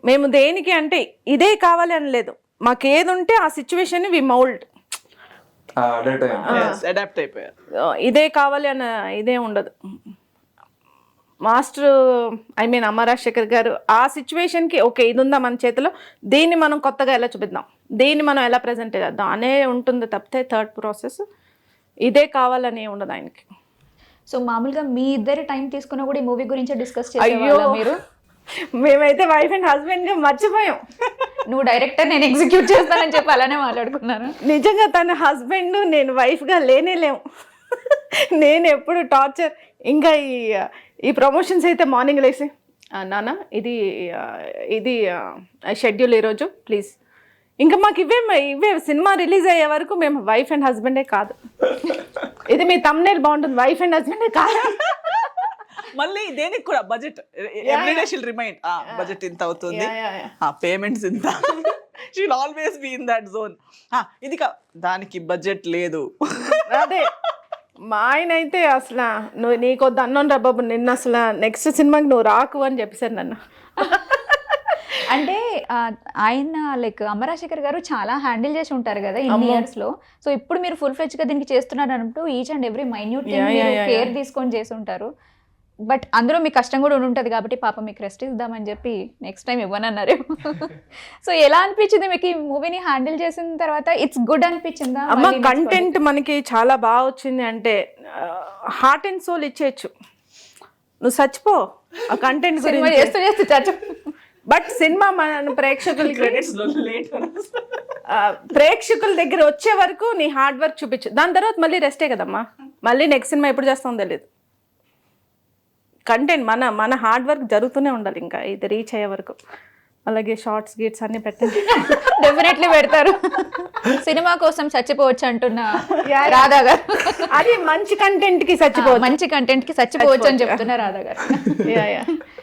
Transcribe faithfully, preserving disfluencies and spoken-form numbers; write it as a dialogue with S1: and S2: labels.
S1: మేము దేనికి అంటే ఇదే కావాలి అని లేదు, మాకు ఏది ఉంటే ఆ సిచ్యువేషన్ వి మౌల్డ్,
S2: అడాప్ట్ అయిపోయారు.
S1: ఇదే కావాలి అన్న ఇదే ఉండదు. మాస్టర్ ఐ మీన్ అమ్మ రాజశేఖర్ గారు ఆ సిచ్యువేషన్కి ఓకే ఇది ఉందా మన చేతిలో, దీన్ని మనం కొత్తగా ఎలా చూపిద్దాం, దీన్ని మనం ఎలా ప్రజెంట్ చేద్దాం అనే ఉంటుంది తప్పితే థర్డ్ ప్రాసెస్ ఇదే కావాలని ఉండదు ఆయనకి.
S3: సో మామూలుగా మీ ఇద్దరు టైం తీసుకున్నా కూడా ఈ మూవీ గురించి డిస్కస్
S1: అయ్యో
S3: చేసేవాళ్ళా మీరు?
S1: మేమైతే వైఫ్ అండ్ హస్బెండ్గా మర్చిపోయాం.
S3: నువ్వు డైరెక్టర్, నేను ఎగ్జిక్యూట్ చేస్తానని చెప్పి అలానే మాట్లాడుకున్నాను.
S1: నిజంగా తన హస్బెండ్ నేను వైఫ్గా లేనే లేము. నేను ఎప్పుడు టార్చర్. ఇంకా ఈ ఈ ప్రమోషన్స్ అయితే మార్నింగ్ లేసి నాన్న ఇది ఇది షెడ్యూల్ ఈరోజు ప్లీజ్, ఇంకా మాకు ఇవే ఇవే సినిమా రిలీజ్ అయ్యే వరకు మేము వైఫ్ అండ్ హస్బెండే కాదు. ఇది మీ తమ్నేల్ బాగుంటుంది, వైఫ్ అండ్ హస్బెండే కాదు.
S2: మళ్ళీ దేనికి కూడా budget everyday she'll remind budget ఇంత అవుతుంది, పేమెంట్స్ ఇంత, she'll always be in that zone. ఇది కా దానికి బడ్జెట్ లేదు.
S1: అదే మా ఆయన అయితే అసలు నువ్వు నీకొద్దు అన్నాను రా బాబు, నిన్న అసలు నెక్స్ట్ సినిమాకి నువ్వు రాకు అని చెప్పేశారు నన్ను.
S3: అంటే ఆయన లైక్ అమ్మ రాజశేఖర్ గారు చాలా హ్యాండిల్ చేసి ఉంటారు కదా ఇన్ని ఇయర్స్ లో. సో ఇప్పుడు మీరు ఫుల్ ఫ్లెడ్జ్ గా దీనికి చేస్తున్నారు అన్నట్టు each and every minute care తీసుకొని చేసి ఉంటారు. బట్ అందులో మీకు కష్టం కూడా ఉంటుంది కాబట్టి పాప మీకు రెస్ట్ ఇద్దామని చెప్పి నెక్స్ట్ టైం ఇవ్వనన్నారు. సో ఎలా అనిపించింది మీకు ఈ మూవీని హ్యాండిల్ చేసిన తర్వాత? ఇట్స్ గుడ్ అనిపించిందా?
S1: అమ్మ కంటెంట్ మనకి చాలా బాగా వచ్చింది అంటే హార్ట్ అండ్ సోల్ ఇచ్చేయచ్చు, నువ్వు చచ్చిపో ఆ కంటెంట్
S3: సినిమా చేస్తూ చేస్తూ చచ్చు.
S1: బట్ సినిమా మన ప్రేక్షకులకి ప్రేక్షకుల దగ్గర వచ్చే వరకు నీ హార్డ్ వర్క్ చూపించు, దాని తర్వాత మళ్ళీ రెస్టే కదమ్మా. మళ్ళీ నెక్స్ట్ సినిమా ఎప్పుడు చేస్తామో తెలియదు. కంటెంట్ మన మన హార్డ్ వర్క్ జరుగుతూనే ఉండాలి ఇంకా ఇది రీచ్ అయ్యే వరకు. అలాగే షార్ట్స్ గీట్స్ అన్ని పెట్టండి,
S3: డెఫినెట్లీ పెడతారు. సినిమా కోసం చచ్చిపోవచ్చు అంటున్న రాధా గారు,
S1: అది మంచి కంటెంట్ కి చచ్చిపోవచ్చు,
S3: మంచి కంటెంట్ కి చచ్చిపోవచ్చు అని చెప్తున్నా రాధా గారు.